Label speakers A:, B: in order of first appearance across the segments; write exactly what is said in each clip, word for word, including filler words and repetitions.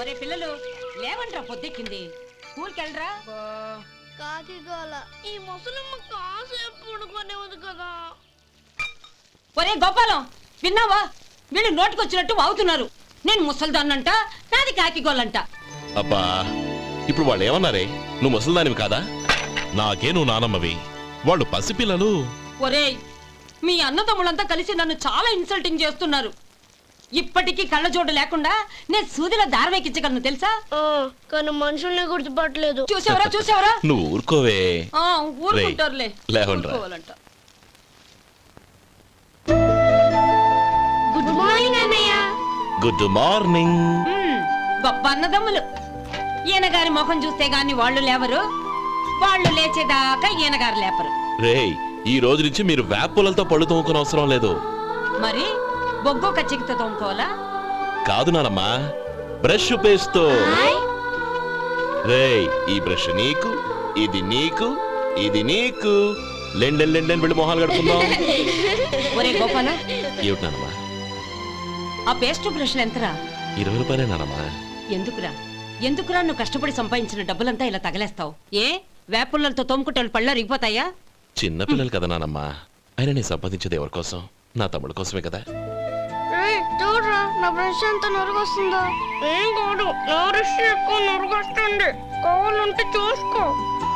A: ఒరే పిల్లలు లేవంట్రా, పొద్దెక్కింది. స్కూల్కి వెళ్ళరా.
B: కాకిగోల ఈ ముసలమ్మ కాసేపు పడుకోనివ్వదు కదా.
A: ఒరే గోపాలం, విన్నావా? వీళ్ళు నోటికొచ్చినట్టు వాగుతున్నారు. నేను ముసల్దాన్నంట, నాది కాకిగోలంట.
C: అబ్బా, ఇప్పుడు వాళ్ళు ఏమన్నారే? నువ్వు ముసల్దానివి కాదా? నాకే నువ్వు నానమ్మవి, వాళ్ళు పసిపిల్లలు.
A: ఒరే, మీ అన్నదమ్ములంతా కలిసి నన్ను చాలా ఇన్సల్టింగ్ చేస్తున్నారు. ఇప్పటికీ కళ్ళజోడు లేకుండా నేను సూదిలో దారం ఎక్కించగలను తెలుసా?
B: కానీ మనుషుల్ని గుర్తుపట్టలేదు.
A: చూసావరా చూసావరా?
C: నువ్వు ఊరుకోవే.
A: ఊరుకుంటారులే.
C: లేవండ్రా.
B: గుడ్ మార్నింగ్ అన్నయ్య.
C: Good morning.
A: గొప్ప అన్నదమ్ములు. ఈయన గారి ముఖం చూస్తే గాని వాళ్ళు లేవరు, వాళ్ళు లేచేదాకా ఈయన గారు లేపరు.
C: రేయ్, ఈ రోజు నుంచి మీరు వేపులతో పళ్ళు తోముకునే అవసరం లేదు.
A: మరి బొగ్గు కచ్చికితో తోముకోవాలా?
C: కాదు నానమ్మా, బ్రష్ పేస్తో. రేయ్, ఈ బ్రష్ నీకు, ఇది నీకు, ఇది నీకు. లెండెన్ లెండెన్ వెళ్ళి మొహాలు కడుకుందాం.
A: ఒరే గోపాల,
C: ఏమిటి నానమ్మా?
A: ఆ పేస్ట్ బ్రష్లు ఎంతరా?
C: ఇరవై రూపాయలే నానమ్మా.
A: ఎందుకురా ఎందుకురా నువ్వు కష్టపడి సంపాదించిన డబ్బులంతా ఇలా తగలేస్తావు? ఏ వేపుల్లలతో తోముకుంటే పళ్ళ రిగిపోతాయా?
C: చిన్న పిల్లలు కదా నానమ్మా. అయినా నేను సంపాదించేది ఎవరి కోసం? నా తమ్ముడు కోసమే కదా.
B: చూడరా, నా బ్రష్ ఎంత నొరగొస్తుందో. ఏం కాదు, నా బ్రష్ ఎక్కువ నొరగొస్తుంది. కావాలంటే చూసుకో.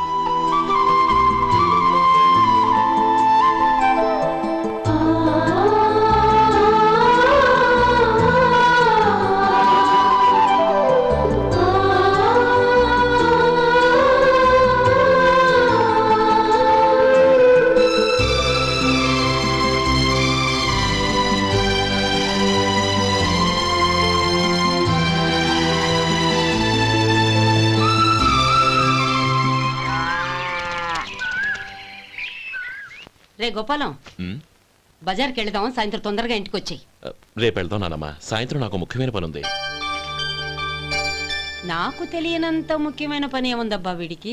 A: రే గోపాలం, బజార్కి వెళదాం. సాయంత్రం తొందరగా ఇంటికి వచ్చాయి.
C: రేపు వెళ్దాం నానమ్మా. సాయంత్రం నాకు ముఖ్యమైన పని ఉంది.
A: నాకు తెలియనంత ముఖ్యమైన పని ఏముందబ్బా వీడికి?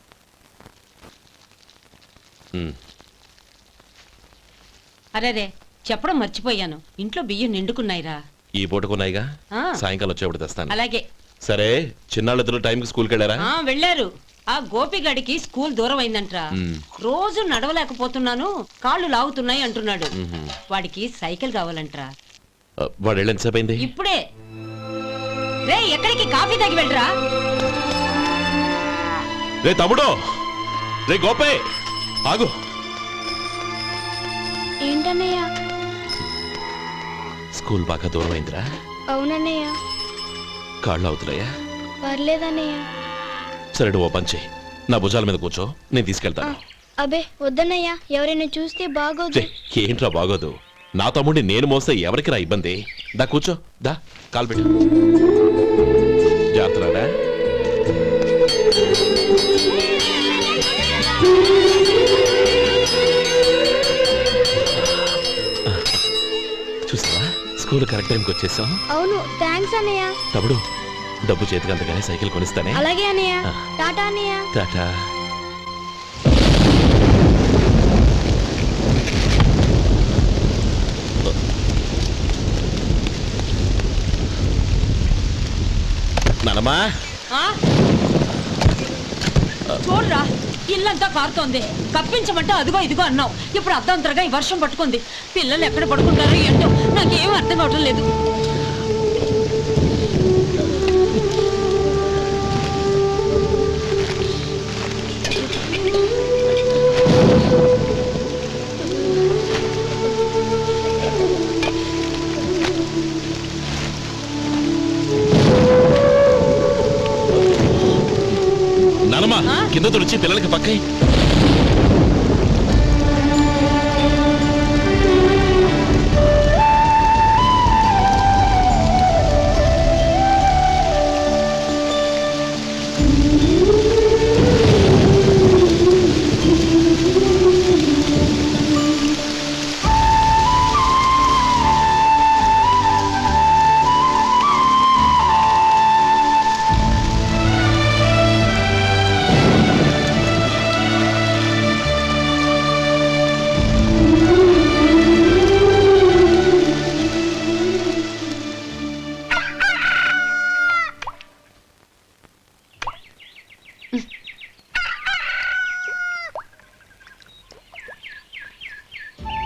A: అరే రే, చెప్పడం మర్చిపోయాను. ఇంట్లో బియ్యం నిండుకున్నాయిరా.
C: ఈ పూటకున్నాయిగా, సాయంకాలం వచ్చేప్పుడు తెస్తాను.
A: అలాగే.
C: సరే, చిన్నాళ్ళిద్దరు టైంకి స్కూల్కి వెళ్ళారా?
A: వెళ్ళారు. ఆ గోపిగడికి స్కూల్ దూరం అయిందంట్రా. రోజు నడవలేకపోతున్నాను, కాళ్ళు లాగుతున్నాయి అంటున్నాడు. వాడికి సైకిల్ కావాలంట్రా.
C: వాడు వెళ్ళి ఎంతసేపు అయింది?
A: ఇప్పుడే. రే, ఎక్కడికి? కాఫీ తాగి వెళ్ళరా.
C: రే తమ్ముడు, రే గోపే, ఆగు.
B: ఏంటన్నయ్య?
C: స్కూల్ బాగా దూరం అయిందిరా.
B: అవునన్నయ్య.
C: కాళ్ళు అవుతున్నాయా?
B: పర్లేదన్నయ్య.
C: సరే, ఓ పంచే, నా భుజాల మీద కూర్చో, నేను తీసుకెళ్తాను.
B: అబే వద్దన్నయ్య, ఎవరైనా చూస్తే బాగోదు.
C: ఏంట్రా బాగోదు? నా తమ్ముడిని నేను మోస్తే ఎవరికి రా ఇబ్బంది? దా కూర్చో, దా, కాలు పెట్టు. జాగ్రత్తరా. చూసావా, స్కూల్ కరెక్ట్ టైంకి వచ్చేసాం.
B: అవును, థ్యాంక్స్ అన్నయ్య.
C: తమ్ముడు, డబ్బు చేతికి అంతగానే సైకిల్ కొనిస్తానే.
B: అలాగే అన్నయ్య. టాటా అన్నయ్య.
C: టాటా. నానమ్మా,
A: చూడరా, ఇల్లంతా కారుతోంది. కప్పించమంటే అదిగో ఇదిగో అన్నావు. ఇప్పుడు అర్ధంతరగా ఈ వర్షం పట్టుకుంది. పిల్లలు ఎక్కడ పడుకుంటారో ఏంటో నాకేం అర్థం కావటం లేదు.
C: కింద తుడిచి పిల్లలకి పక్కై.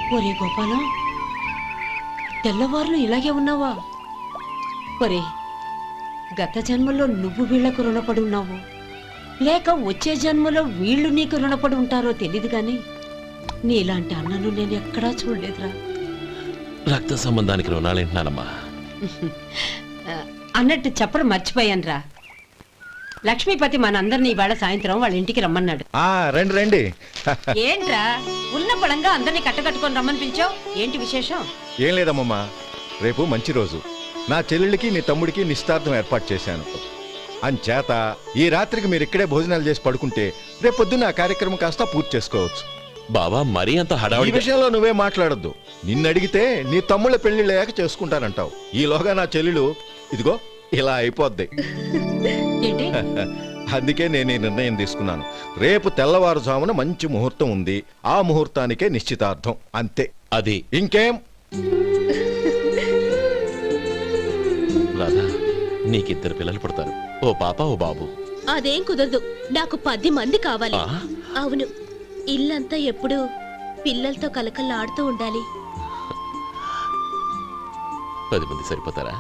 A: ఒరే గోపాలం, తెల్లవారులు ఇలాగే ఉన్నావా? ఒరే, గత జన్మలో నువ్వు వీళ్లకు రుణపడి ఉన్నావు, లేక వచ్చే జన్మలో వీళ్ళు నీకు రుణపడి ఉంటారో తెలీదు గాని నీలాంటి అన్నను నేను ఎక్కడా చూడలేదురా.
C: రక్త సంబంధానికి రుణాలేంటున్నానమ్మా.
A: ఆ, అన్నట్టు చెప్పడం మర్చిపోయానురా. లక్ష్మీపతి మనందరినీ ఇవాళ సాయంత్రం వాళ్ళ ఇంటికి రమ్మన్నాడు.
D: ఆ రండి రండి.
A: ఏంట్రా ఉన్న పడంగా అందరినీ కట్టకట్టుకొని రమ్మని పిలిచావు? ఏంటి విశేషం?
D: ఏం లేదమ్మమ్మా, రేపు మంచి రోజు. నా చెల్లెళ్ళకి నీ తమ్ముడికి నిశ్చితార్థం ఏర్పాటు చేశాను. అంచేత ఈ రాత్రికి మీరు ఇక్కడే భోజనాలు చేసి పడుకుంటే రేపు పొద్దున్న ఆ కార్యక్రమం కాస్త పూర్తి చేసుకోవచ్చు.
C: బావా మరీ అంత
D: ఈ
C: హడావుడి
D: విషయంలో నువ్వే మాట్లాడొద్దు. నిన్ను అడిగితే నీ తమ్ముళ్ళ పెళ్లిళ్ళయ్యాక చేసుకుంటానంటావు. ఈలోగా నా చెల్లెలు ఇదిగో ఇలా అయిపోద్ది.
A: ఏంటి?
D: అందుకే నేను ఈ నిర్ణయం తీసుకున్నాను. రేపు తెల్లవారుజామున మంచి ముహూర్తం ఉంది. ఆ ముహూర్తానికే నిశ్చితార్థం, అంతే.
C: అది
D: ఇంకేం?
C: రాధా, నీకిద్దరు పిల్లలు పుడతారు, ఓ పాప ఓ బాబు.
B: అదేం కుదరదు, నాకు పది మంది కావాలి.
C: ఆ?
B: అవును, ఇల్లంతా ఎప్పుడు పిల్లలతో కలకల్లాడుతూ ఉండాలి.
C: పది మంది సరిపోతారా?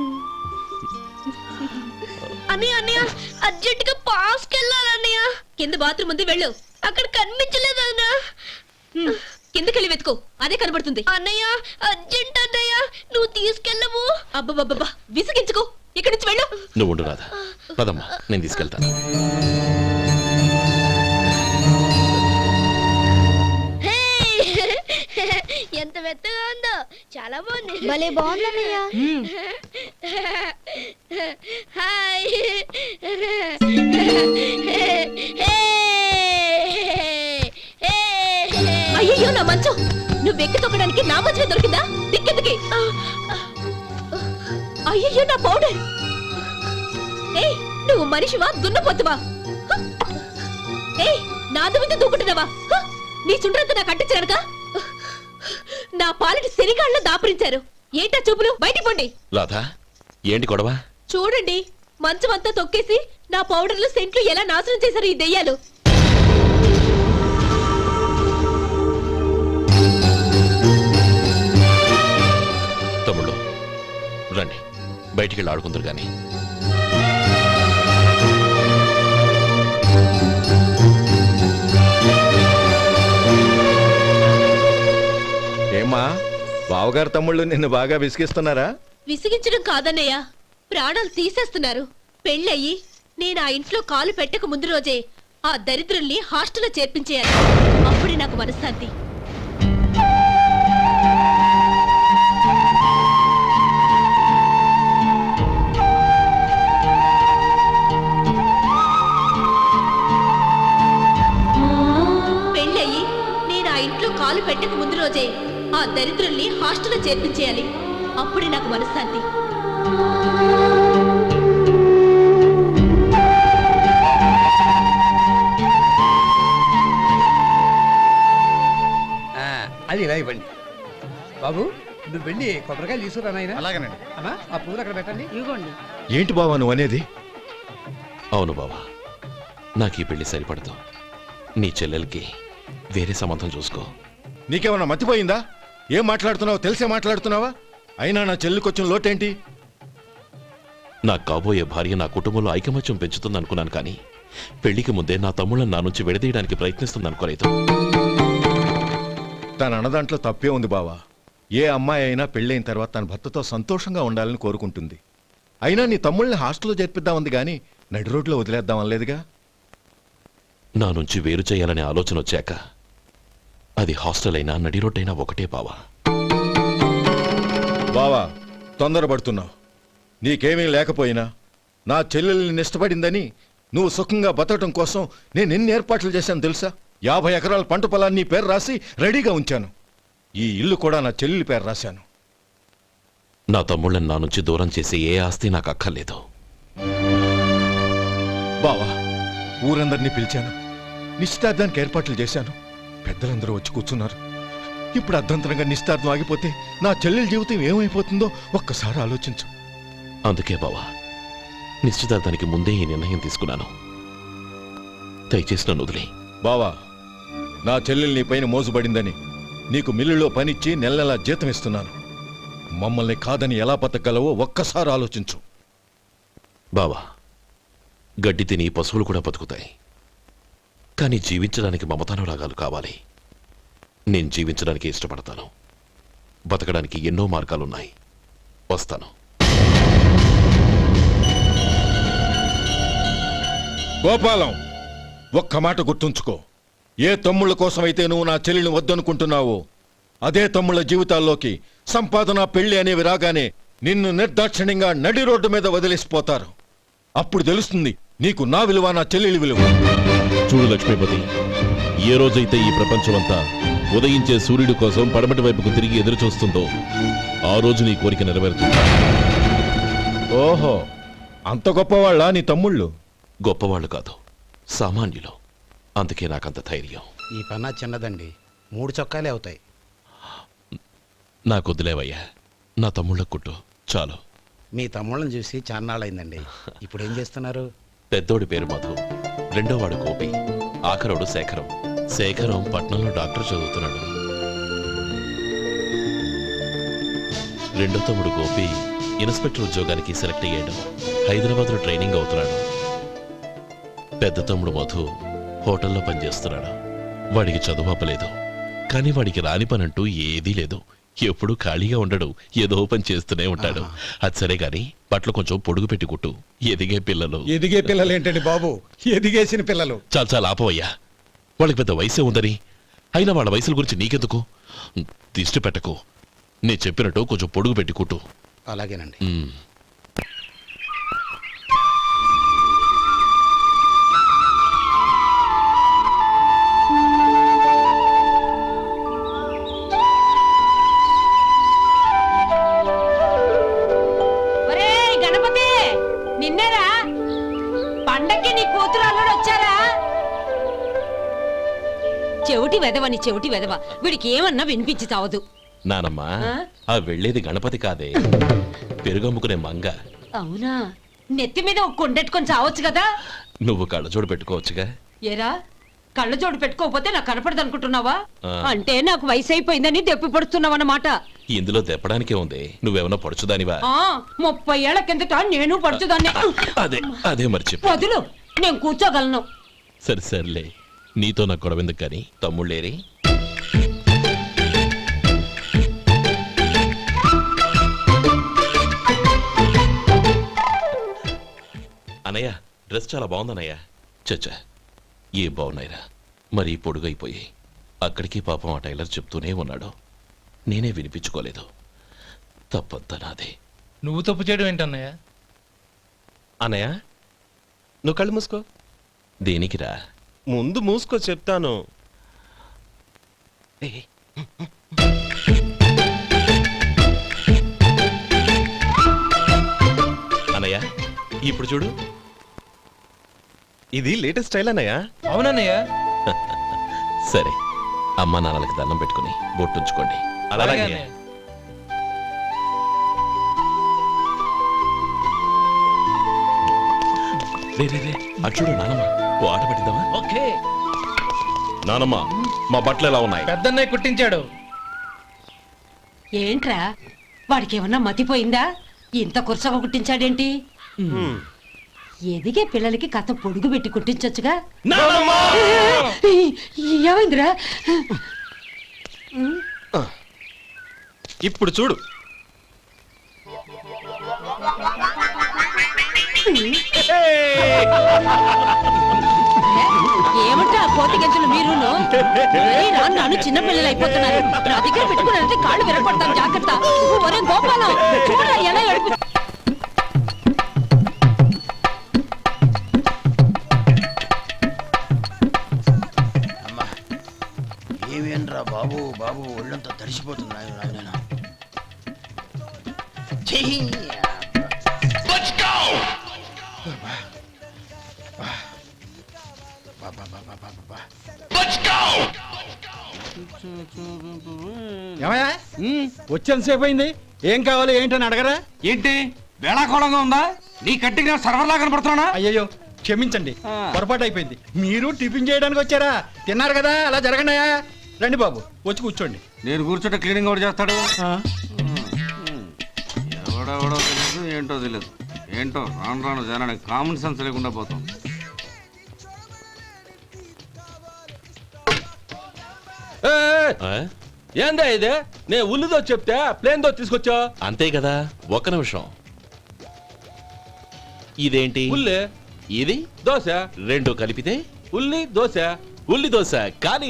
B: అన్నయ్య అన్నయ్య, అర్జెంట్ గా పాస్ కెళ్ళాలన్నయ్య. కింద బాత్రూమ్ ఉంది, వెళ్ళు. అక్కడ కనిపించలేదు అన్నా. కిందకెళ్ళి వెతుకో, అదే కనబడుతుంది. అన్నయ్య అర్జెంట్ అన్నయ్య, నువ్వు తీసుకెళ్ళవు. అబ్బబ్బబ్బా, విసిగించుకో, ఇక్కడి నుంచి వెళ్ళు.
C: నువ్వు ఉండు రాధా, పదమ్మా నేను తీసుకెళ్తాను.
B: ఎంత మెత్తగా ఉందో, చాలా బాగుంది. భలే బాగుంది అన్నయ్య. హాయ్. అయ్యో నా మంచం, నువ్వు ఎక్కి తొక్కడానికి నా మంచమే దొరికిందా? దిక్కెందుకి? అయ్యో నా పౌడర్. ఏయ్, నువ్వు మనిషివా దున్నపోతువా? ఏయ్, నా దుమ్మితో దూకుంటున్నావా? నీ చుండ్రంతా నాకు అంటించడానికా? నా పాలిటి శనిగాళ్ళ దాపురించారు. ఏంటా చూపులు? బయటికి పోండి.
C: రాధా, ఏంటి గొడవ?
B: చూడండి, మంచం అంతా తొక్కేసి నా పౌడర్లు సెంట్లు ఎలా నాశనం చేశారు ఈ దెయ్యాలు.
C: తమ్ముళ్ళు రండి, బయటికి వెళ్ళి ఆడుకుందరు గాని.
D: ఏమ్మా, బావగారు తమ్ముళ్ళు నిన్ను బాగా విసిగిస్తున్నారా?
B: విసిగించడం కాదన్నయ్య, ప్రాణాలు తీసేస్తున్నారు. పెళ్ళయి నేను ఆ ఇంట్లో కాలు పెట్టక ముందు రోజే ఆ దరిద్రుల్ని హాస్టల్లో చేర్పించేయాలి. అప్పుడే నాకు మనశ్శాంతి. పెళ్ళయి నేను ఆ ఇంట్లో కాలు పెట్టక ముందు రోజే ఆ దరిద్రుల్ని హాస్టల్లో చేర్పించేయాలి. అప్పుడే నాకు మనశ్శాంతి.
E: అది ఇలా ఇవ్వండి బాబు. నువ్వు వెళ్ళి కొబ్బరికాయలు తీసుకురా నాయనా.
D: అలాగేనండి.
E: అమ్మా, ఆ పూలు అక్కడ పెట్టండి. ఇవ్వండి.
D: ఏంటి బావా నువ్వు అనేది?
C: అవును బావా, నాకు ఈ పెళ్లి సరిపడదు. నీ చెల్లెలకి వేరే సంబంధం చూసుకో.
D: నీకేమన్నా మతిపోయిందా? ఏం మాట్లాడుతున్నావో తెలిసే మాట్లాడుతున్నావా? అయినా నా చెల్లికొచ్చిన లోటేంటి?
C: నా కాబోయే భార్య నా కుటుంబంలో ఐకమత్యం పెంచుతుంది అనుకున్నాను, కానీ పెళ్లికి ముందే నా తమ్ముళ్ళని నా నుంచి విడదీయడానికి ప్రయత్నిస్తుంది అనుకోలేదు.
D: తన అన్నదాంట్లో తప్పే ఉంది బావా. ఏ అమ్మాయి అయినా పెళ్ళైన తర్వాత తన భర్తతో సంతోషంగా ఉండాలని కోరుకుంటుంది. అయినా నీ తమ్ముళ్ళని హాస్టల్లో చేర్పిద్దామంది కానీ నడి రోడ్లో వదిలేద్దామనలేదుగా.
C: నా నుంచి వేరు చేయాలనే ఆలోచన వచ్చాక అది హాస్టల్ అయినా నడి రోడ్డైనా ఒకటే బావా.
D: బావా, తొందరపడుతున్నావు. నీకేమీ లేకపోయినా నా చెల్లెల్ని ఇష్టపడిందని నువ్వు సుఖంగా బతకటం కోసం నేను ఎన్ని ఏర్పాట్లు చేశాను తెలుసా? యాభై ఎకరాల పంట పొలాన్ని నీ పేరు రాసి రెడీగా ఉంచాను. ఈ ఇల్లు కూడా నా చెల్లెలి పేరు రాశాను.
C: నా తమ్ముళ్ళని నా నుంచి దూరం చేసే ఏ ఆస్తి నాకు అక్కర్లేదు.
D: బావా, ఊరందరినీ పిలిచాను, నిశ్చితార్థానికి ఏర్పాట్లు చేశాను. పెద్దలందరూ వచ్చి కూర్చున్నారు. ఇప్పుడు అర్ధంతరంగా నిశ్చితార్థం ఆగిపోతే నా చెల్లెలి జీవితం ఏమైపోతుందో ఒక్కసారి ఆలోచించు.
C: అందుకే బావా, నిశ్చితార్థానికి ముందే ఈ నిర్ణయం తీసుకున్నాను. దయచేసి నన్ను వదిలే.
D: బావా, నా చెల్లెలు నీ పైన మోసుబడిందని నీకు మిల్లులో పనిచ్చి నెల నెలా జీతం ఇస్తున్నాను. మమ్మల్ని కాదని ఎలా బతకగలవో ఒక్కసారి ఆలోచించు.
C: బావా, గడ్డి తిని పశువులు కూడా బతుకుతాయి. కానీ జీవించడానికి మమతానురాగాలు కావాలి. నేను జీవించడానికి ఇష్టపడతాను. బతకడానికి ఎన్నో మార్గాలున్నాయి. వస్తాను.
D: గోపాలం, ఒక్క మాట గుర్తుంచుకో. ఏ తమ్ముళ్ళ కోసమైతే నువ్వు నా చెల్లిని వద్దనుకుంటున్నావో అదే తమ్ముళ్ళ జీవితాల్లోకి సంపాదన పెళ్లి అనేవి రాగానే నిన్ను నిర్దాక్షిణ్యంగా నడి రోడ్డు మీద వదిలేసిపోతారు. అప్పుడు తెలుస్తుంది నీకు నా విలువ, నా చెల్లెలి విలువ.
C: చూడు లక్ష్మీపతి, ఏ రోజైతే ఈ ప్రపంచమంతా ఉదయించే సూర్యుడి కోసం పడమటి వైపుకు తిరిగి ఎదురు చూస్తుందో ఆ రోజు నీ కోరిక నెరవేరుతుంది.
D: ఓహో, అంత గొప్పవాళ్ళ నీ తమ్ముళ్ళు?
C: గొప్పవాళ్ళు కాదు, సామాన్యులు. అందుకే నాకంత ధైర్యం.
F: ఈ పన్నా చిన్నదండి, మూడు చొక్కాలే అవుతాయి.
C: నాకొద్దులేవయ్యా, నా తమ్ముళ్ళ కుట్టు చాలు.
F: మీ తమ్ముళ్ళని చూసి చాన్నాళ్ళైందండి. ఇప్పుడు ఏం చేస్తున్నారు?
C: పెద్దోడి పేరు మధు, రెండోవాడు గోపి, ఆఖరోడు శేఖరం. శేఖరం పట్నంలో డాక్టర్ చదువుతున్నాడు. రెండో తమ్ముడు గోపి ఇన్స్పెక్టర్ ఉద్యోగానికి సెలెక్ట్ అయ్యాడు. హైదరాబాద్లో ట్రైనింగ్ అవుతున్నాడు. పెద్ద తమ్ముడు మధు హోటల్లో పనిచేస్తున్నాడు. వాడికి చదువు అప్పలేదు, కానీ వాడికి రాని పనంటూ ఏదీ లేదు. ఎప్పుడూ ఖాళీగా ఉండడు, ఏదో పని చేస్తూనే ఉంటాడు. అది సరే గాని బట్టలు కొంచెం పొడుగు పెట్టి కుట్టు. ఎదిగే పిల్లలు.
E: ఎదిగే పిల్లలు ఏంటండి బాబు, ఎదిగేసిన పిల్లలు.
C: చాలా చాలా ఆపవయ్యా, వాళ్ళకి పెద్ద వయసే ఉందని. అయినా వాళ్ళ వయసుల గురించి నీకెందుకు? దిష్టి పెట్టకు. నేను చెప్పినట్టు కొంచెం పొడుగు పెట్టి కుట్టు.
F: అలాగేనండి.
C: ఉమ్.
A: ఒరేయ్ గణపతి, నిన్నేరా? పండక్కి నీ కూతురు అల్లుడు వచ్చారా? చెవిటి వెదవని చెవిటి వెదవ, వీడికి ఏమన్నా వినిపించి చావదు.
C: నానమ్మా,
A: ఆ?
C: ఆ వెళ్ళేది గణపతి కాదే, పెరుగమ్ముకునే మంగ.
A: అవునా? నెత్తి మీద ఒక కొండెట్టుకొని చావచ్చు కదా.
C: నువ్వు కళ్ళజోడు పెట్టుకోవచ్చుగా.
A: ఏరా, కళ్ళ జోడు పెట్టుకోకపోతే నాకు కనపడదు అనుకుంటున్నావా?
C: ఆ.
A: అంటే నాకు వయసు అయిపోయిందని దెప్పి పడుతున్నావన్నమాట.
C: ఇందులో దెప్పడానికే ఉంది. నువ్వేమన్నా పడుచుదానివా?
A: ఆ, ముప్పై ఏళ్ల కిందట నేను పడుచుదాన్ని.
C: అదే అదే మరి చెప్పు.
A: వదులు, నేను కూర్చోగలను.
C: సరే సర్లే, నీతో నాకు గొడవ ఎందుకు కానీ. తమ్ముళ్ళేరి? అనయ్య, డ్రెస్ చాలా బాగుందన్నయ్య. చచ్చా, ఏ బాగున్నాయిరా, మరీ పొడుగైపోయి. అక్కడికి పాపం ఆ టైలర్ చెప్తూనే ఉన్నాడు, నేనే వినిపించుకోలేదు. తప్పంతా నాదే.
G: నువ్వు తప్పు చేయడం ఏంటన్నయ్య?
H: అనయ్య, నువ్వు కళ్ళు మూసుకో.
C: దేనికిరా?
H: ముందు మూసుకో చెప్తాను.
C: అనయ్య, ఇప్పుడు చూడు.
H: ఇది లేటెస్ట్ స్టైల్ అన్నయ్య.
G: అవునన్నయ్య.
C: సరే, అమ్మా నాన్నలకి దండం పెట్టుకుని బొట్టుంచుకోండి.
G: అలాగే
C: అలాగే.
G: అన్నయ్య.
C: రే రే రే, అటు చూడు నానమ్మ, ఓ ఆట పట్టిద్దామా?
G: ఓకే.
C: నానమ్మ, మా బట్టలు ఎలా ఉన్నాయి?
G: పెద్దన్నయ్య కుట్టించాడు.
A: ఏంట్రా, వాడికి ఏమన్నా మతిపోయిందా? ఇంత కురసగా కుట్టించాడేంటి? ఎదిగే పిల్లలకి కథ పొడుగు పెట్టి కుట్టించొచ్చుగా. ఏమైందిరా?
H: ఇప్పుడు చూడు.
A: ఏమంటే ఆ కోతి గంజలు మీరును ఏరా, నన్ను చిన్న పిల్లలు అయిపోతున్నారు. నా దగ్గర పెట్టుకున్నారంటే కాళ్ళు విరగొడతాను, జాగ్రత్త. ఒరే గోపాలం, చూడరా ఎలా ఏడుపు.
F: ఏమేంట్రా బాబు, బాబు ఒళ్ళంతా తడిసిపోతుంది. నాయన నాయన
E: ఏమయ్యా, వచ్చేంతసేపు అయింది. ఏం కావాలి ఏంటని అడగరా?
I: ఏంటి వేళాకోళంగా ఉందా? నీ కట్టిగా సర్వర్లా కనపడుతున్నా?
E: అయ్యయ్యో, క్షమించండి, పొరపాటు అయిపోయింది. మీరు టిఫిన్ చేయడానికి వచ్చారా? తిన్నారు కదా, అలా జరగండియా. రండి బాబు వచ్చి కూర్చోండి.
I: నేను కూర్చుంటే క్లీనింగ్ కూడా చేస్తాడు. ఎవడెవడో తెలియదు ఏంటో తెలియదు. ఏంటో రాను రాను జనానికి కామన్ సెన్స్ లేకుండా పోతాం.
C: ఆ?
H: ఏందా ఇదే నేను ఉల్లిదో చెప్తే ప్లేన్ దో తీసుకొచ్చా.
C: అంతే కదా, ఒక్క నిమిషం. ఇదేంటి?
H: ఉల్లి
C: ఇది
H: దోశ,
C: రెండు కలిపితే
H: ఉల్లి దోశ.
C: ఉల్లి దోశ. కానీ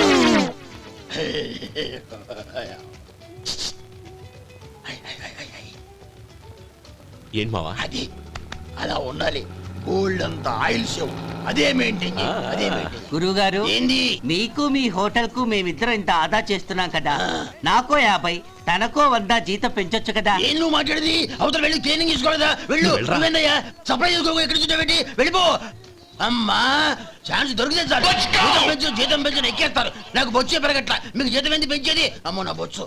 C: ఏంటి మావా?
F: అది అలా ఉండాలి. గోల్డ్ అంత ఆయిల్ షో అదే మెయింటైన్ చేయి. అదే మెయింటైన్.
J: గురువుగారు,
F: ఏంది
J: మీకు మీ హోటల్ కు మేమిద్దరం ఇంత ఆదా చేస్తున్నాం కదా, నాకో యాభై తనకో వంద జీతం పెంచొచ్చు కదా.
F: ఏం నువ్వు మాట్లాడేది? అవతల వెళ్ళి ట్రైనింగ్ తీసుకోలేదా? వెళ్ళు. నువ్వేందయ్యా సప్లై చేసుకో, ఎక్కడ చూసావేంటి? వెళ్ళిపో. అమ్మా ఛాన్స్ దొరికితే చాలు. జీతం పెంచు జీతం పెంచు ఎక్కేస్తారు. నాకు బొచ్చే పెరగట్ల. మీకు జీతం ఎందుకు పెంచేది? అమ్మో నా బొచ్చు.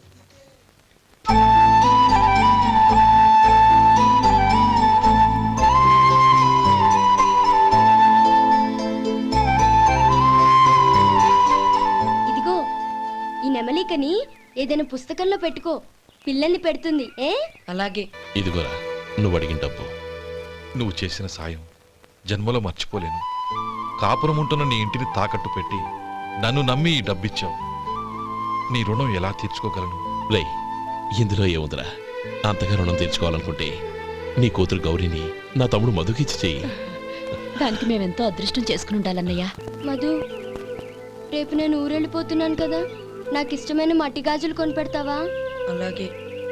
B: ఇదిగో ఈ నెమలికని ఏదైనా పుస్తకంలో పెట్టుకో, పిల్లల్ని పెడుతుంది. ఏ
A: అలాగే.
C: ఇదిగోరా నువ్వు అడిగిన డబ్బు.
K: నువ్వు చేసిన సాయం జన్మలో మర్చిపోలేను. కాపురం ఉంటున్న నీ ఇంటిని తాకట్టు పెట్టి నన్ను నమ్మి ఈ డబ్బిచ్చావు. నీ రుణం ఎలా తీర్చుకోగలను?
C: రే, ఇందులో ఏముందిరా? అంతగా రుణం తీర్చుకోవాలనుకుంటే నీ కూతురు గౌరీని నా తమ్ముడు మధుకిచ్చి చెయ్యి.
B: దానికి మేమెంతో అదృష్టం చేసుకుని ఉండాలన్నయ్య. మధు, రేపు నేను ఊరెళ్ళిపోతున్నాను కదా, నాకు ఇష్టమైన మట్టి గాజులు కొనిపెడతావా?
A: అలాగే.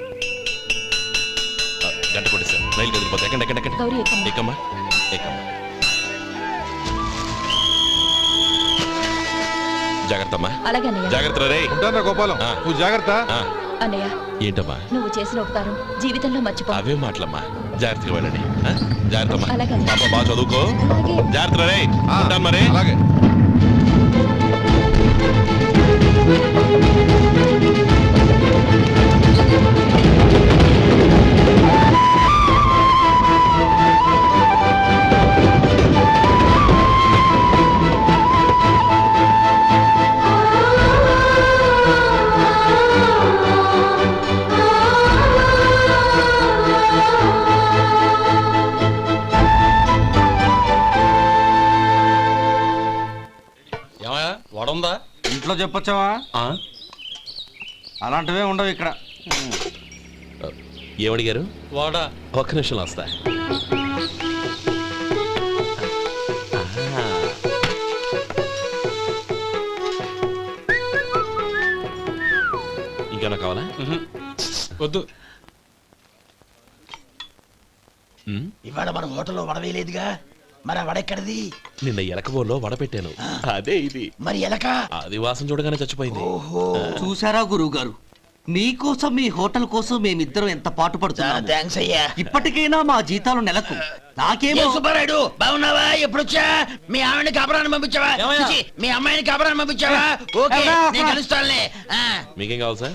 C: ఆ, గంట కొట్టేశాను. రైలు కదిలిపోతే ఎక్కండి ఎక్కండి ఎక్కండి.
B: గౌరీ, ఎక్కమ్మా.
C: ఎక్కమ్మా ఎక్కమ్మా. జాగ్రత్త అమ్మా.
B: అలాగే అన్నయ్య.
C: జాగ్రత్త రే.
K: ఉంటానా గోపాలం,
C: ఆ.
K: నువ్వు జాగ్రత్త.
C: ఆ,
B: అన్నయ్య,
C: ఏంటమ్మా
B: నువ్వు చేసిన ఉపకారం జీవితంలో మర్చిపో.
C: అవే మాటలమ్మా. జాగ్రత్తగా వెళ్ళండి. ఆ? జాగ్రత్త అమ్మా.
B: అలాగే.
C: పాప బాగా చదువుకో.
B: అలాగే.
C: జాగ్రత్త రే.
K: ఆ,
C: ఉంటాను మరి.
K: అలాగే.
I: వడుందా? ఇంట్లో చెప్పొచ్చావా? అలాంటివే ఉండవు ఇక్కడ.
C: ఏమడిగారు?
H: వాడా
C: ఒక్క నిమిషం వస్తా. ఇంకేనా కావాలా?
H: వద్దు.
C: ఉమ్,
F: ఇవాళ మన హోటల్లో వడవేయలేదుగా, మరి ఆ వడెక్కడిది?
C: నిన్న ఎలకబోల్లో వడ పెట్టాను. అదే ఇది.
F: మరి ఎలక?
C: అది వాసన చూడగానే చచ్చిపోయింది.
F: ఓహో,
J: చూసారా గురువు గారు, మీకోసం మీ హోటల్ కోసం మేమిద్దరం ఎంత పాటు పడుతున్నాము.
F: థ్యాంక్స్ అయ్యా.
J: ఇప్పటికైనా మా జీతాలు నెలకు నాకేమో.
F: ఏ సుబ్బారాయుడు, బాగున్నావా? ఎప్పుడొచ్చా? మీ ఆవిడని కాపురాన్ని పంపించావా?
J: ఏమయ్యా?
F: చిచి, మీ అమ్మాయిని కాపురాన్ని పంపించావా? ఓకే,
J: ఎవరా?
F: నేను కలుస్తానులే. ఆ.
C: మీకేం కావాలి సార్?